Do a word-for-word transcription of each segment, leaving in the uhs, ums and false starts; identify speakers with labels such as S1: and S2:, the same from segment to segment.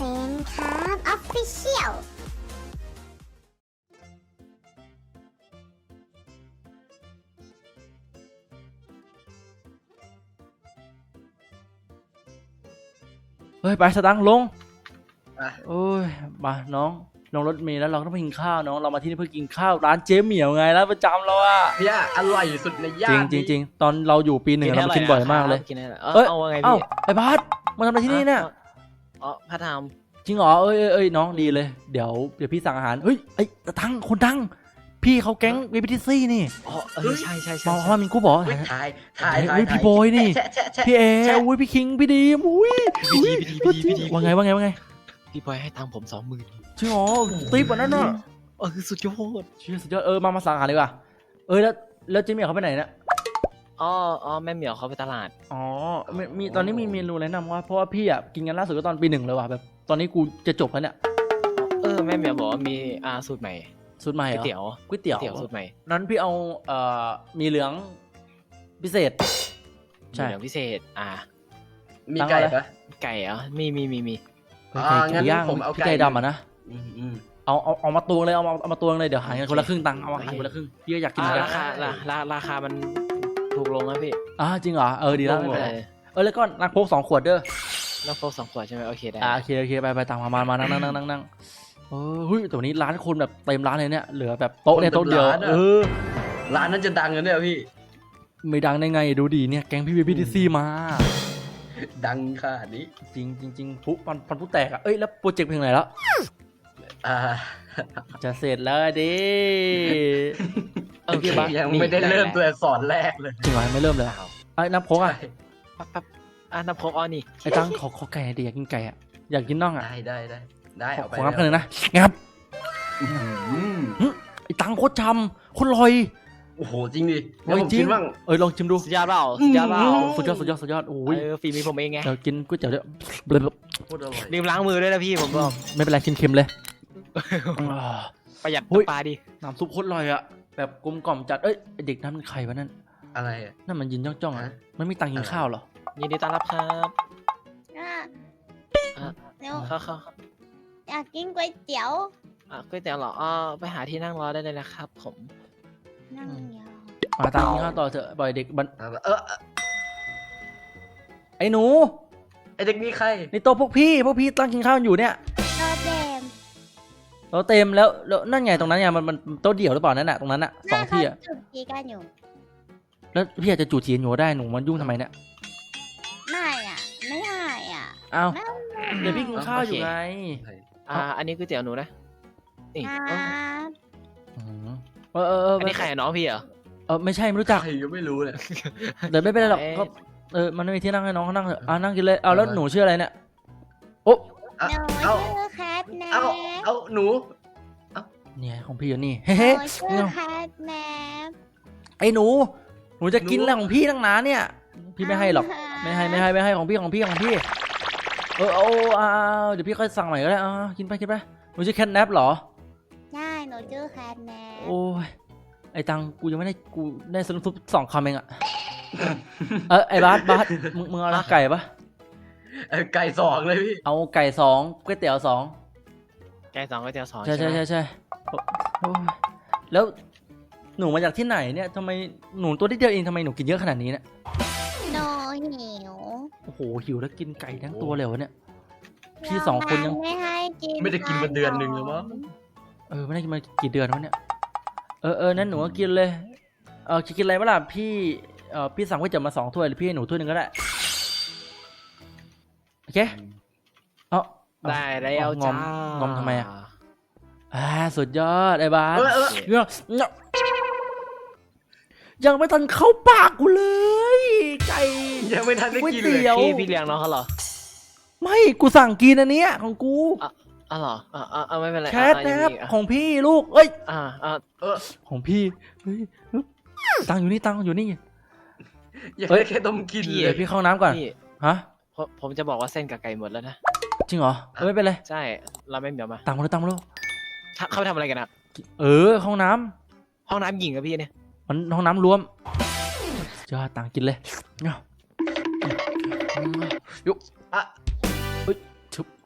S1: นครับออฟฟิเชียล
S2: เฮ้ยไปสตังค์ลงโอ้ยมาน้องลงรถเมล์แล้วเราก็ต้องไปกินข้าวน้องเรามาที่นี่เพื่อกินข้าวร้านเจ๊เหมียวไงร้านประจำเราอะ
S3: เนี่ยอร่อยสุดในย่า
S2: จริ
S3: น
S2: งจริงจริงตอนเราอยู่ปีหนึ่งเรามากินบ่อยมากเลย
S4: กินได้เหรอ
S2: เอ้ย
S4: เอาว่าไง
S2: เอ้า
S4: พี่
S2: ไอ้บาสมาทำอะไรที่นี่เนี่ย
S4: อ๋อพระธรรม
S2: จริงเหรอเอ้ยเอ้ยเอ้ยน้องดีเลยเดี๋ยวเดี๋ยวพี่สั่งอาหารเฮ้ยไอ้ตังคนดังพี่เขาแก๊งวีพีทีซี่นี่
S4: อ๋อเออใช่ใช่
S2: ม
S4: ใช่
S2: องว่ามินกูบอก
S3: เฮ้ยถ่ายถ่ายถ่าย
S2: เฮ้ยพี่บอยนี่
S3: แชะแชะแชะ
S2: พี่เอ
S3: แชะ
S2: อุ้ยพี่คิงพี่ดีมอุ้ย
S4: พี่ดีพี่ดีพี่ดีพี่ดี
S2: ว่าไงว่าไงว่าไง
S4: พี่บอยให้ตังค์ผมสองหมื่น
S2: จริงเหรอตีกว่านั้นน่ะ
S4: เออสุดยอด
S2: เชื่อสุดยอดเออมามาสั่งอาหารดีกว่าเออแล้วแล้วเจ๊เหมียวเขาไปไหนเนี่ย
S4: อ๋ออ๋อแม่เหมียวเขาไปตลาด
S2: อ๋อมีมีตอนนี้มีเมนูแนะนำว่าเพราะว่าพี่อ่ะกินกันล่าสุดก็ตอนปีหนึ่งเลยว่ะแบบตอนนี้กูจะจบแล้วเนี่ย
S4: เออแม่เหมียวบอกว่ามีอาสูตรใหม่
S2: สูตรใหม่
S4: ก๋
S2: เห
S4: วย
S2: รอ
S4: เตี๋ยว
S2: ก๋วยเตี๋ยว
S4: เตี๋ยวสูตรใหม่
S2: นั้นพี่เอาเอ่อมีเหลืองพิเศษ ใช่
S4: เหลืองพิเศษอ่า
S3: มีไก่ปะ
S4: ไก่เหรอมีมีมีมี
S2: ไก่
S3: อ่างั้
S2: ไก่
S3: น
S2: ย่าง
S3: ผมเอา
S2: พี่
S3: ไก่
S2: ไก่ดำอ่ะนะ
S3: อืมอืม
S2: เอาเอาเอามาตวงเลยเอามาเอามาตวงเลยเดี๋ยวหารกันคนละครึ่งตังค์เอาหารคนละครึ่งพี่ก็อยากกินเหมือนกั
S4: ราน คาราราราคามันถูกลงนะพี่
S2: อ่าจริงเหรอเออดีแล้วไม่เป็น
S4: เอ
S2: ไร
S4: อ
S2: เออแล้วก็นักโพกสองขวดเด้อ
S4: น้ำโฟกสองขวดใช่ไหมโอเคได้
S2: อ่าโอเคโอเคไปไปตามมามามานั่งนั่งนั่งนั่งนั่งเออเฮ้ยแต่วันนี้ร้านคนแบบเต็มร้านเลยเนี่ยเหลือแบบโต๊ะเนี่ยโต๊ะเดียวเออ
S3: ร้านนั้นจะดังกันเนี่ยพี่
S2: ไม่ดังได้ไงดูดีเนี่ยแก๊งพี่บีพีทีซีมา
S3: ดังขนาดนี้
S2: จริงจริงจริงปุ๊บปันปันปุ๊บแตกอ่ะเอ้ยแล้วโปรเจกต์เพลงไหนแล้ว
S3: อ่า
S2: จะเสร็จแล้วดิ
S4: โอเค
S3: ยังไม่ได้เริ่มตัวอักษรแรกเลย
S2: จริงเหรอไม่เริ่มเลยไอ้น้ำโค้กอ่ะ
S4: ปั๊บปั๊บอ่ะน้ำโฟกอ๋อนี่
S2: ไอ้ตั้งขอขอไก่หน่อยดิอยากกินไก่อ่ะอยากกินน่องอ่ะ
S3: ได้ได้ได้ได้
S2: ขอ
S3: เอาไป
S2: ของับกันเลยนะงับ
S3: อืม
S2: ไอ้ตั้งโคตรชำโคตรลอย
S3: โอ้โหจริงดิ
S2: ล
S3: แล้ว
S2: อย
S3: ผม
S2: จริ
S3: คิ
S2: ง
S3: ดว่า
S2: เอ้ยลองชิมดู
S4: สุดยอดเปล่าสุดยอดเปล่า
S2: สุดยอดสุดยอดสุดยอดโอ้ย
S4: เออฝีมือผมเองไง
S2: เดี๋ยวกินก๋วยเตี๋ยวเดี๋ยว
S3: โคตรอร่อย
S4: ลืมล้างมือด้วยนะพี่ผมบอก
S2: ไม่เป็นไรกินเค็มเลยอ่า
S4: ประหยัด
S2: เฮ้ย
S4: ปลาดิ
S2: น้ำซุปโคตรลอยอ่ะแบบกลมกล่อมจัดเอ้ยไอ้เด็กนั้นมันใครวะนั่น
S3: อะไรอ่ะ
S2: นั่นมันยินจ้องๆอ่ะ
S3: ฮะ
S2: มันมีตังค์กินข้าวเหรอ
S4: ยินดีต้อนรับครับ
S1: อ่ะ
S4: อ่ะ
S1: เดี๋ยว
S4: เข้าเข้า
S1: อยากกินก๋วยเตี๋ยว
S4: อ่ะก๋วยเตี๋ยวเหรออ๋อไปหาที่นั่งรอได้เลยนะครับผม
S1: นั่งยาว
S2: มาตังค์กินข้าวต่อเถอะบ่อยเด็กบัน
S3: เออเออ
S2: ไอ้หนู
S3: ไอเด็กนี่ใคร
S2: นี่โต๊ะพวกพี่พวกพี่ตั้งกินข้าวอยู่เนี่ย
S1: โดเดม
S2: เราเต็มแล้วแล้วนั่นไงตรงนั้นไงมันมันโต๊ะเดี่ยวหรือเปล่านั่นน่ะตรงนั้นน่ะสองที่อ่ะ
S1: จุดจีกันอยู่
S2: แล้วพี่อยากจะจูดจีนหนูได้หนูมันยุ่งทำไมเนี่ย
S1: ไม่อ่ะ ไม่ได้อ่ะ
S2: อ้าว
S1: ไม่
S2: เดี๋ยวพี่กินข้าวอยู่ไง
S4: อ่าอันนี้ก๋วยเตี๋ยวหนูนะนี่
S1: ค
S4: เออ
S1: รับ
S2: เออเออเออ
S4: อันนี้ใครอะน้องพี่เหรอ
S2: เออไม่ใช่ไม่รู้จัก
S3: ใครก็ไม่รู้เลย
S2: เดี๋ยวไม่เป็นไรหรอก
S4: เอ๊ะ
S2: ก็เออมันไม่มีที่นั่งให้น้องเขานั่งเถอะอ่ะนั่งกินเลยเอาแล้วหนูชื่ออะไรเนี่ยโอ้
S3: เอา
S1: หนู
S3: เอา
S1: ชื่อแคทแน
S3: เอา
S1: ป
S3: เอาหนู
S2: เนี่ยของพี่อยู่นี่
S1: ห
S2: เฮ้เฮ้
S1: นูชื่อแคทแนป
S2: ไอ้หนูหนูจะกินอะไรของพี่ตั้งนานเนี่ยพี่ไม่ให้หรอกไม่ให้ไม่ให้ไม่ให้ของพี่ของพี่ของพี่เออเอาเอาเอาเดี๋ยวพี่ค่อยสั่งใหม่ก็ได้อ่ากินไปกินไปหนูชื่อแคทแนปเหรอ
S1: ใช่หนูชื่อแคทแนป
S2: โอ้ยไอ้ตังกูยังไม่ได้กูได้สรุปสองคำเองอะเออไอ้บาสบาสมึงมึงเอาอะไรไก่ปะ
S3: เออไก่สองเลยพี่
S2: เอาไก่สองก๋วยเตี๋ยวสอง
S4: แกงสองก๋วยเตี๋ยวสอง
S2: ใช่ใช่
S4: ไหม
S2: ใช่ใช่โอ้โอ้ยแล้วหนูมาจากที่ไหนเนี่ยทำไมหนูตัวนิดเดียวเองทำไมหนูกินเยอะขนาดนี้เนี่ย
S1: หนูหิว
S2: โอ้โหหิวแล้วกินไก่ทั้งตัวเลยวะเนี่ย พี่สองคนยัง
S1: ไม่ให้กิน
S3: ไม่ได้กินมาเดือนหนึ่งแล้วมั้ง
S2: เออไม่ได้กินมากี่เดือนวะเนี่ยเออเออนั่นหนูก็กินเลยเออกินอะไรบ้างล่ะพี่เออพี่สั่งก๋วยเตี๋ยวมาสองถ้วยหรือพี่ให้หนูถ้วยหนึ่งก็ได้โอเคเอา
S4: ได้แล้ว
S2: งอ
S4: จ้าม
S2: งอมทำไมอะ อ่าสุดยอดไอ้บาส
S3: เออเออ
S2: เนี่ยเนี่ยยังไม่ทันเข้าปากกูเลย ไก่
S3: ยังไม่ทันได้กิน
S2: ก๋วย
S3: เล
S2: เตี๋
S3: ย
S2: ยว
S4: พี่พี่เลี้ยงน้องเขาเหรอ
S2: ไม่กูสั่งกินอันเนี้ยของกู
S4: อ๋อเหรออ่าอ่าไม่เป็นไร
S2: แคท
S4: อ่ะ
S2: นะ
S4: ยัง
S2: ครับ
S4: มีอ่ะ
S2: ของพี่ลูกเอ้ย
S4: อ่าอ่า
S3: เออ
S2: ของพี่เฮ้ยตังค์อยู่นี่ตังค์อยู่นี่
S3: ยัง
S2: เอ้ย
S3: ไม่แค่ต้มกินเล
S2: เดี๋ย
S3: ยว
S2: พี่เข้าน้ำก่อน
S4: พี่
S2: ฮะ
S4: ผมผมจะบอกว่าเส้นกับไก่หมดแล้วนะ
S2: จริงเหรอเออไม่เป็นไร
S4: ใช่เราไม่เหมียวมา
S2: ตังค์มาแล้วตังค์มาแล้ว
S4: ถ้าเข้าไปทำอะไรกันอะ
S2: เออห้องน้
S4: ห้องน้ำหญิงกับพี่เนี่ย
S2: ำมันห้องน้ำรวมจะตังค์กินเลยเนาะยุ
S3: อ่ะ
S2: เอ้ยชุบ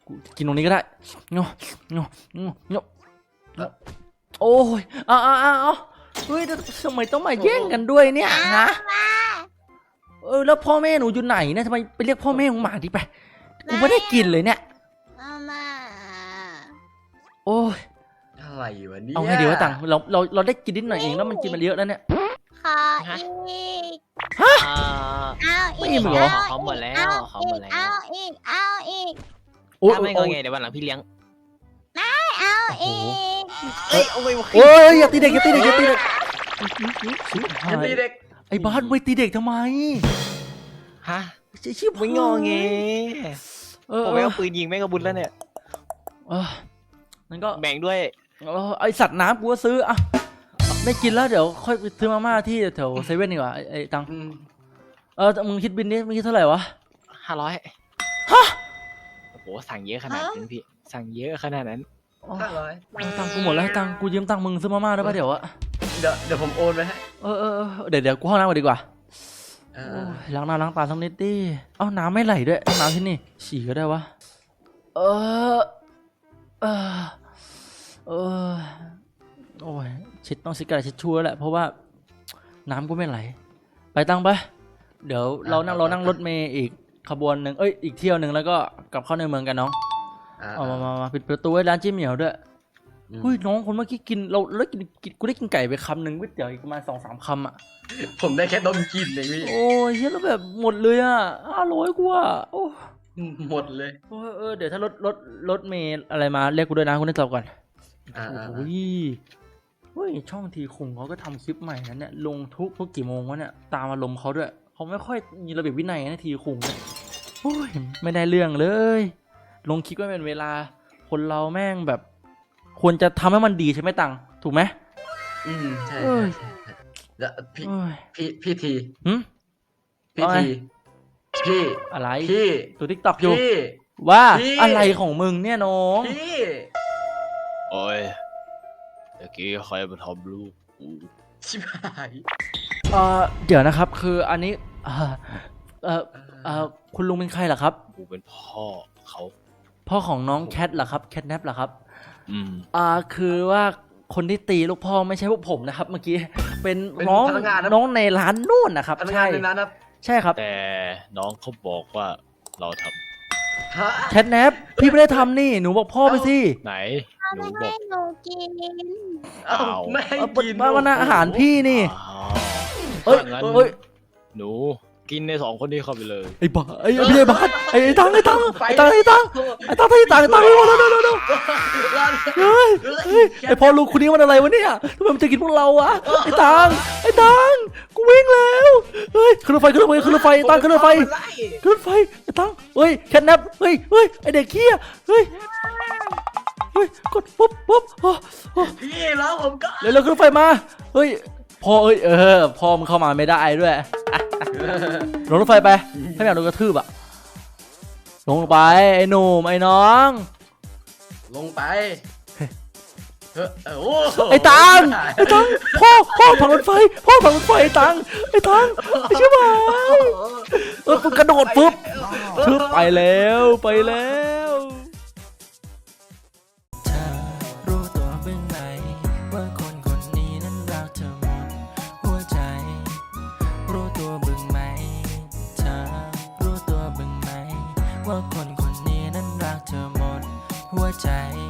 S2: กูกินตรงนี้ก็ได้เงาเงาเงาเงาโอ้ยเอาเอาเอาเอาเฮ้ยทำไมต้องมาแย่งกันด้วยเนี่ยฮะเออแล้วพ่อแม่หนูอยู่ไหนเนี่ยทำไมไปเรียกพ่อแม่ของหมาดิไปกูไม่ได้กินเลยเนี่ย
S1: เอามา
S2: โอ้ย
S3: อะไรวะเนี่ย
S2: เอาไงดีวะตังเราเราเราได้กินนิดหน่อยเองแล้วมันกินมาเยอะแล้วเนี่ย
S1: ขออีก
S4: อ่า
S1: เอาอี
S2: ไม่
S1: ก
S2: อิ่มเหรอ
S4: เขาหมดแล้ว
S1: เอา
S4: เขา
S1: อี
S4: หม
S1: ก
S4: ดแล้ว
S1: เอาอีกเอาอีก
S2: โอ้ย
S4: ถ้าไม่ง
S2: โอ้
S4: อย ไงเดี๋ยววันหลังพี่เลี้ยง
S1: เอาอีก
S4: เอ้ยโอ้ย
S2: โอ้ยอย่าตีเด็กอย่าตีเด็กอย่าตีเด็ก
S3: อย่าตีเด็ก
S2: ไอ้บ้านไม่ตีเด็กทำไม
S4: ฮะ
S2: ชิบ
S4: ไม่งอแง
S2: เออ
S4: ผมไม่เอาปืนยิงแม่งกระบุญแล้วเนี่ย
S2: เออนั่นก็
S4: แบ่งด้วย
S2: เออไอสัตว์น้ำกูก็ซื้ออ่ะไม่กินแล้วเดี๋ยวค่อยไปซื้อมาม่าที่แถวเซเว่นดีกว่าไอ้ไอ้ตัง
S3: อืม
S2: เออมึงคิดบินนี้มึงคิดเท่าไหร่วะ
S4: ห้าร้อย
S2: ฮะ
S4: โอ้โหสั่งเยอะขนาดนั้นพี่สั่งเยอะขนาดนั้น
S2: อ๋อ
S3: ห้าร้อย
S2: ตังค์กูหมดแล้วให้ตังค์กูยืมตังค์มึงซื้อมาม่าได้ปะเดี๋ยวอะ
S3: เดี๋ยวเดี๋ยวผมโอนไปให้
S2: เออเออเออเดี๋ยวเดี๋ยวกูเข้าน้ำก่อนดีกว่า
S3: เอ
S2: โอ้
S3: อย
S2: ล้างหน้าล้างตาสักนิดดิเอ้าน้ำไม่ไหลด้วยต้องน้ำที่นี่ฉี่ก็ได้วะเออเออเออโอ้ยเช็ดต้องเช็ดกระดาษเช็ดชั่วแหละเพราะว่าน้ำก็ไม่ไหลไปตังไปเดี๋ยวเรานั่งเรานั่งรถเมย์อีกขบวนหนึ่งเอ้ยอีกเที่ยวหนึ่งแล้วก็กลับเข้าในเมืองกันน้อง
S3: อ่า
S2: เอามามามาปิดประตูไว้ร้านเจ๊เหมียวด้วย
S3: อืม
S2: เฮ้ยน้องคนเมื่อกี้กินเราเราได้กินกินกูได้กินไก่ไปคำหนึ่งก๋วยเตี๋ยวอีกประมาณสองสามคำอ่ะ
S3: ผมได้แค่ดมกลินเองพี่
S2: โอ้ยเฮ้ยแล้วแบบหมดเลยอ่ะห้าร้อยกว่าโอ้
S3: หมดเลย
S2: เออเออเดี๋ยวถ้ารถรถรถเมล์อะไรมาเรียกกูด้วยนะคุณได้ตอบก่อน
S3: อ่า
S2: โอ้
S3: อ่า
S2: โหเฮ้ยช่องทีคุงเขาก็ทำคลิปใหม่นะเนี่ยลงทุกทุกกี่โมงวะเนี่ยตามอารมณ์เขาด้วยเขาไม่ค่อยมีระเบียบวินัยนะทีคุงเนี่ยโอ้ยไม่ได้เรื่องเลย ลงคลิปก็เป็นเวลาคนเราแม่งแบบ ควรจะทำให้มันดีใช่ไหมตังถูกไหม
S3: อืมใช่
S2: เอ้ย
S3: ใช่ใช่แล้วพี่
S2: เอ้ย
S3: พี่พี่ที
S2: หึ
S3: พี่
S2: ว่าไง
S3: ทีพี่
S2: อะไร
S3: พี่
S2: ตัวทิกตอกอยู่
S3: พี่
S2: ว่า
S3: พี่
S2: อะไรของมึงเนี่ยน้อง
S3: พี่
S4: โอ้ยเมื่อกี้ใครมาทำลูกกู
S3: ชิบหาย
S2: เออเดี๋ยวนะครับคืออันนี้เออเออเออคุณลุงเป็นใครเหรอครับ
S4: กูเป็นพ่อเขา
S2: พ่อของน้องแคทเหรอครับแคทแนปเหรอครับ
S4: อืม
S2: อ่าคือว่าคนที่ตีลูกพ่อไม่ใช่พวกผมนะครับ เมื่อกี้เป็นน้องน้องในร้านนู่นนะครับ
S3: พนักงา
S2: ใช่
S3: นในนั้นนะ
S2: ใช่ครับ
S4: แต่น้องเขาบอกว่าเราท
S3: ฮะ
S2: แคทแนปพี่ไม่ได้ทำนี่หนูบอกพ่อไปสิ
S4: ำไหนหนู
S1: ไม่
S4: บอ
S1: ให้
S4: ก
S1: หนูกิน
S3: เอ้า
S4: อ้าว
S3: ไม่ให้
S2: เออ
S3: กิน
S2: บ้านว่าอาหารพี่นี่
S4: อ้าว
S2: เอ้ย
S4: งั้น
S2: เอ้ย
S4: หนูกินในสองคนนี้เข้าไปเลย
S2: ไอ้บ้าไอ้พี่ไอ้บ้าไอ้ไอ้ตังไอ้ตังไอ้ตังไอ้ตังไอ้ตังไอ้ตังไอ้ตังไอ้ตังเร็วเร็วเร็วเฮ้ยเฮ้ยไอ้พ่อลูกคนนี้มันอะไรวะเนี่ยทำไมมันจะกินพวกเราอะไอ้ตังไอ้ตังกูวิ่งแล้วเฮ้ยขึ้นรถไฟขึ้นรถไฟขึ้นรถไฟไอ้ตังขึ้นรถไฟขึ้นรถไฟไอ้ตังเฮ้ยแคทแนปเฮ้ยเฮ้ยไอ้เด็กเขี้ยเฮ้ยเฮ้ยกดปุ๊บปุ๊บโอ้โอ้
S3: พี่แล้วผมก็
S2: เร็วเร็วขึ้นรถไฟมาเฮ้ยพ่อเอ้ยเออพ่อมันเข้ามาไม่ได้ด้วยลงรถไฟไปถ้าไม่อยากโดนกระทืบอะลงไปไอ้หนุ่มไอ้น้อง
S3: ลงไปเออเออโอ้
S2: ไอ้ตังไอ้ตังพ่อพ่อผังรถไฟพ่อผังรถไฟไอ้ตังไอ้ตังไอ้ชิบหายเออปุ๊บกระโดดปุ๊บชึบไปแล้วไปแล้ว
S5: เธอรู้ตัวบ้างไหมว่าคนคนนี้นั้นรักเธอหมดหัวใจ รู้ตัวบ้างไหมเธอรู้ตัวบ้างไหมว่าคนคนนี้นั้นรักเธอหมดหัวใจ